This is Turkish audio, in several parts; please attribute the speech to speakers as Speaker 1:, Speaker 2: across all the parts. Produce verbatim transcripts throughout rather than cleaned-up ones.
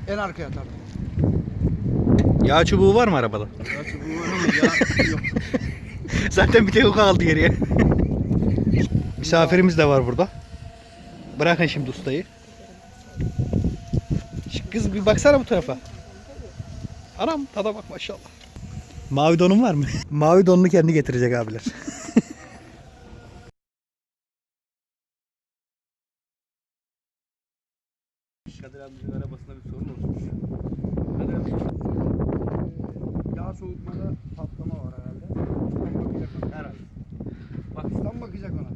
Speaker 1: En arkaya tabii.
Speaker 2: Yağ çubuğu var mı arabada?
Speaker 1: Yağ çubuğu var ama yağ yok.
Speaker 2: Zaten bir tek o kaldı geriye. Misafirimiz de var burada. Bırakın şimdi ustayı. Şu kız bir baksana bu tarafa. Anam tada bak maşallah. Mavi donun var mı? Mavi donunu kendi getirecek abiler.
Speaker 3: Kadir abimizin arabasında bir sorun olmuş. Kadir abi.
Speaker 1: Yağ soğutmada patlama var herhalde. Ustam bakacak ona.
Speaker 3: Herhalde.
Speaker 1: Bak ustam bakacak ona.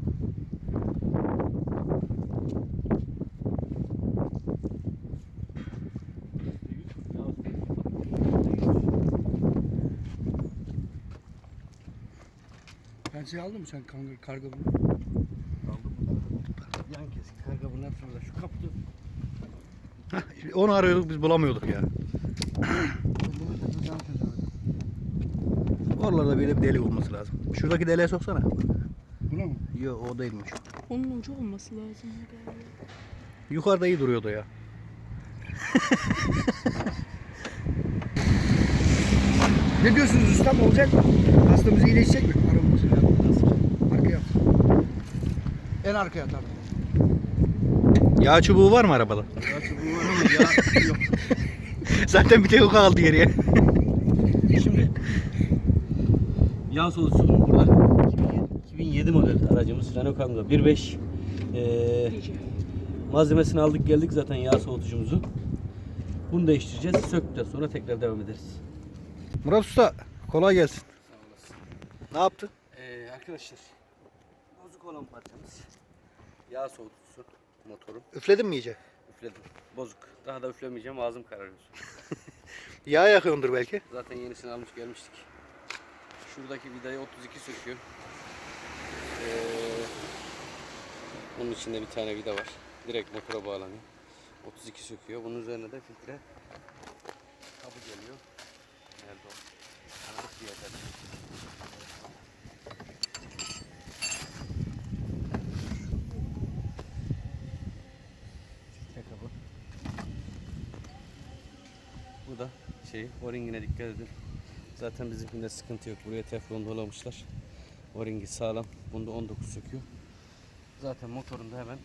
Speaker 1: Ben şey aldın mı sen karga, karga bunu?
Speaker 3: Aldım. Yan kesik karga bunlar şurada. Şu kapıda.
Speaker 2: Hah, onu arıyorduk biz bulamıyorduk ya.
Speaker 1: Bunu takacağım çözemedim.
Speaker 2: Oralarda böyle bir delik olması lazım. Şuradaki deliğe soksana.
Speaker 1: Buna mı?
Speaker 2: Yok o değilmiş.
Speaker 4: Onun ucu olması lazım galiba.
Speaker 2: Yukarıda iyi duruyordu ya.
Speaker 1: Ne diyorsunuz ustam, olacak mı? Hastamız iyileşecek mi? Arabamız. Arkaya at. En arkaya tabii.
Speaker 2: Yağ çubuğu var mı arabada?
Speaker 3: Yağ çubuğu var ama yağ yok.
Speaker 2: Zaten bir tek o kaldı geriye.
Speaker 3: Şimdi yağ soğutucu burada. iki bin yedi model aracımız Renault Kangoo bir beş. Ee, malzemesini aldık geldik zaten yağ soğutucumuzu. Bunu değiştireceğiz. Söktükten sonra tekrar devam ederiz.
Speaker 2: Murat Usta kolay gelsin.
Speaker 3: Sağ olasın.
Speaker 2: Ne yaptın?
Speaker 3: Ee, arkadaşlar bozuk olan parçamız yağ soğutucusu motoru.
Speaker 2: Üfledin mi iyice?
Speaker 3: Üfledim. Bozuk. Daha da üflemeyeceğim. Ağzım kararıyor.
Speaker 2: Yağ yakıyordur belki.
Speaker 3: Zaten yenisini almış gelmiştik. Şuradaki vidayı otuz iki söküyor. Ee, bunun içinde bir tane vida var. Direkt motora bağlanıyor. otuz iki söküyor. Bunun üzerine de filtre kabı geliyor. Nerede o? Tanıdık bir yerde. Filtre kabı. Bu da şey, o-ringine dikkat edin. Zaten bizimkinde sıkıntı yok. Buraya teflon dolamışlar. O-ringi sağlam. Bunda on dokuz söküyor. Zaten motorunda hemen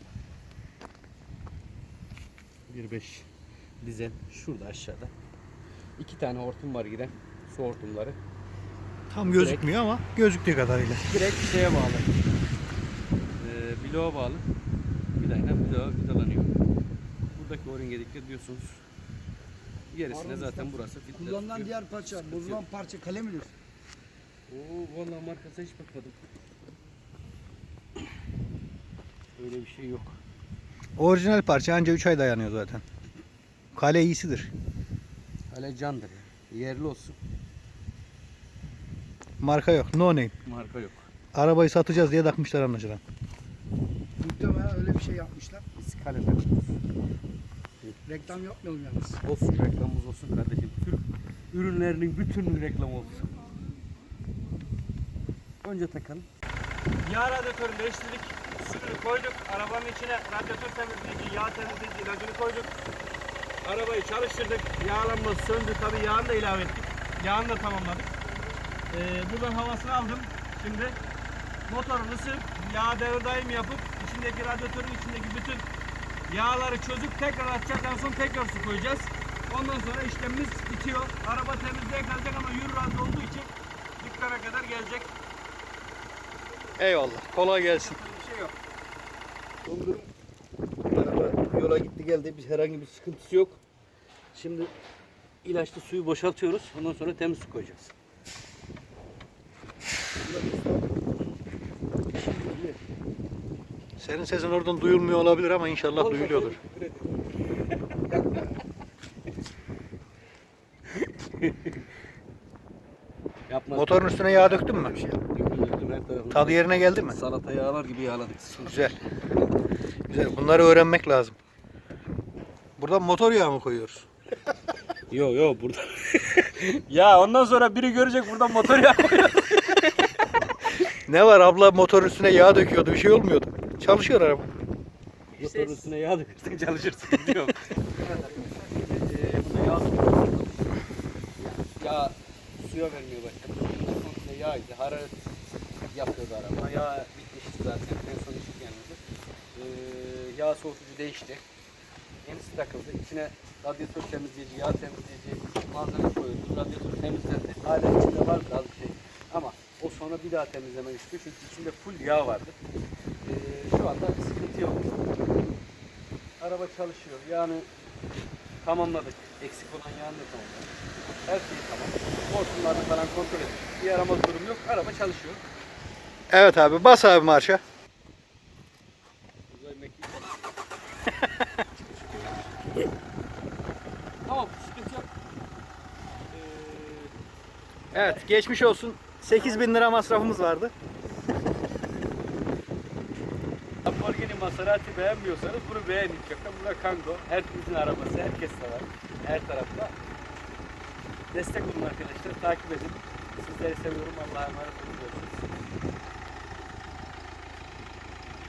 Speaker 3: bir beş dizel şurada aşağıda. İki tane hortum var giren. Su hortumları.
Speaker 2: Tam gözükmüyor ama gözüktüğü kadarıyla.
Speaker 3: Direkt şeye bağlı. Ee, bloğa bağlı. Vidayla bloğa vidalanıyor. Buradaki o-ringe dikkat ediyorsunuz. Gerisine zaten burası filtre
Speaker 1: Kullanılan
Speaker 3: tutuyor.
Speaker 1: diğer parça,
Speaker 3: Sıkıntı
Speaker 1: bozulan
Speaker 3: yok.
Speaker 1: parça kale midir?
Speaker 3: Oo, vallahi markasına hiç bakmadım. Öyle bir şey yok.
Speaker 2: Orijinal parça anca üç ay dayanıyor zaten. Kale iyisidir.
Speaker 3: Hala candır ya. Yerli olsun.
Speaker 2: Marka yok. No name.
Speaker 3: Marka yok.
Speaker 2: Arabayı satacağız diye takmışlar anlaşılan.
Speaker 1: Muhtemelen öyle bir şey yapmışlar.
Speaker 3: Biz kale takıyoruz.
Speaker 1: Reklam yapmayalım yalnız.
Speaker 3: Olsun, reklamımız olsun kardeşim. Türk ürünlerinin bütün reklamı olsun. Önce takalım. Yağ radyatörünü değiştirdik. Suyunu koyduk. Arabanın içine radyatör temizleyici, yağ temizleyici ilacını koyduk. Arabayı çalıştırdık. Yağlanması söndü. Tabii yağını da ilave ettik. Yağını da tamamladık. Ee, buradan havasını aldım. Şimdi motorun ısıp yağ devir daim yapıp içindeki radyatörün içindeki bütün yağları çözüp tekrar atacağız. En son tekrar su koyacağız. Ondan sonra işlemimiz bitiyor. Araba temizliğe kalacak ama yürü razı olduğu için dükkana kadar gelecek.
Speaker 2: Eyvallah. Kolay gelsin.
Speaker 3: Bir şey yok. Dondurum. Araba yola gitti geldi. Bir herhangi bir sıkıntısı yok. Şimdi ilaçlı suyu boşaltıyoruz. Ondan sonra temiz su koyacağız.
Speaker 2: Senin sesin oradan duyulmuyor olabilir ama inşallah duyuluyordur.
Speaker 3: Yapma.
Speaker 2: Motorun üstüne yağ döktün mü?
Speaker 3: Döktüm, döktüm her tarafına.
Speaker 2: Tadı yerine geldi mi?
Speaker 3: Salata yağlar gibi yağladık.
Speaker 2: Güzel. Güzel. Bunları öğrenmek lazım. Buradan motor yağı mı koyuyoruz?
Speaker 3: Yo yo burada. Ya ondan sonra biri görecek buradan motor yağı koyuyor.
Speaker 2: Ne var abla motorun üstüne yağ döküyordu bir şey olmuyordu. Çalışıyor araba.
Speaker 3: Motorun üstüne yağ dökersen çalışırsın diyor. suya vermeye başladı. Komple yağydı. Hararet yapıyordu araba. Yağ bitmişti zaten. En son işi gelmedi. Ee, yağ soğutucu değişti. Yenisi takıldı. İçine radyatör temizleyici, yağ temizleyici malzeme koyuldu. Radyatör temizlendi. Hala içinde vardı az bir şey. Ama o sonra bir daha temizleme istiyor. Çünkü içinde full yağ vardı. Ee, şu anda sıkıntı yok. Araba çalışıyor. Yani tamamladık. Eksik olan yağını da tamamladık. Her şey tamam. Hortumlarını falan kontrol ettik. Bir yaramaz durum yok. Araba çalışıyor.
Speaker 2: Evet abi bas abi marşa.
Speaker 3: Uzay mekiği Tamam, sıkıntı yok. Ee,
Speaker 2: Evet geçmiş olsun. sekiz bin lira masrafımız vardı.
Speaker 3: Lamborghini Maserati beğenmiyorsanız bunu beğenin. Bakın bu da Kangoo. Herkesin arabası, herkes sever. Her tarafta. Destek olun arkadaşlar, takip edin. Sizleri seviyorum. Allah'a emanet olun.